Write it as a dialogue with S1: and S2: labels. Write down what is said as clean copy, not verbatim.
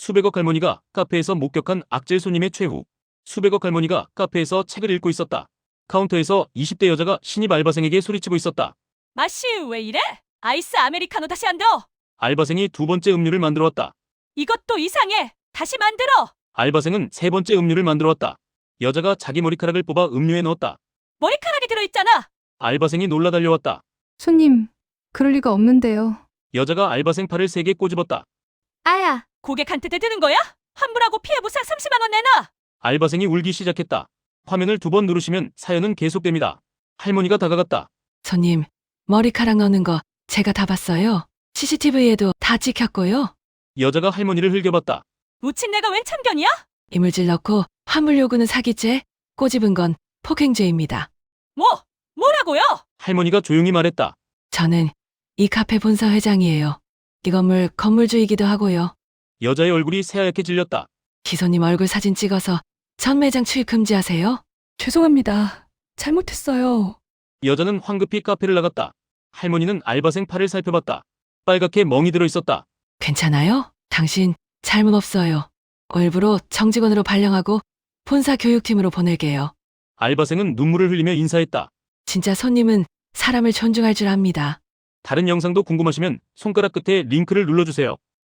S1: 수백억 할머니가 카페에서 목격한 악질 손님의 최후. 수백억 할머니가 카페에서 책을 읽고 있었다. 카운터에서 20대 여자가 신입 알바생에게 소리치고 있었다.
S2: 맛이 왜 이래? 아이스 아메리카노 다시 안 더.
S1: 알바생이 두 번째 음료를 만들어 왔다.
S2: 이것도 이상해. 다시 만들어.
S1: 알바생은 세 번째 음료를 만들어 왔다. 여자가 자기 머리카락을 뽑아 음료에 넣었다.
S2: 머리카락이 들어있잖아.
S1: 알바생이 놀라 달려왔다.
S3: 손님, 그럴 리가 없는데요.
S1: 여자가 알바생 팔을 세게 꼬집었다.
S3: 아야,
S2: 고객한테 대드는 거야? 환불하고 피해보상 30만 원 내놔.
S1: 알바생이 울기 시작했다. 화면을 두 번 누르시면 사연은 계속됩니다. 할머니가 다가갔다.
S4: 손님, 머리카락 넣는 거 제가 다 봤어요. CCTV에도 다 찍혔고요.
S1: 여자가 할머니를 흘겨봤다.
S2: 묻힌 내가 웬 참견이야?
S4: 이물질 넣고 화물 요구는 사기죄, 꼬집은 건 폭행죄입니다.
S2: 뭐라고요?
S1: 할머니가 조용히 말했다.
S4: 저는 이 카페 본사 회장이에요. 이 건물 건물주이기도 하고요.
S1: 여자의 얼굴이 새하얗게 질렸다.
S4: 기손님 얼굴 사진 찍어서 전 매장 출입 금지하세요.
S3: 죄송합니다. 잘못했어요.
S1: 여자는 황급히 카페를 나갔다. 할머니는 알바생 팔을 살펴봤다. 빨갛게 멍이 들어 있었다.
S4: 괜찮아요? 당신 잘못 없어요. 일부러 정직원으로 발령하고 본사 교육팀으로 보낼게요.
S1: 알바생은 눈물을 흘리며 인사했다.
S4: 진짜 손님은 사람을 존중할 줄 압니다.
S1: 다른 영상도 궁금하시면 손가락 끝에 링크를 눌러주세요.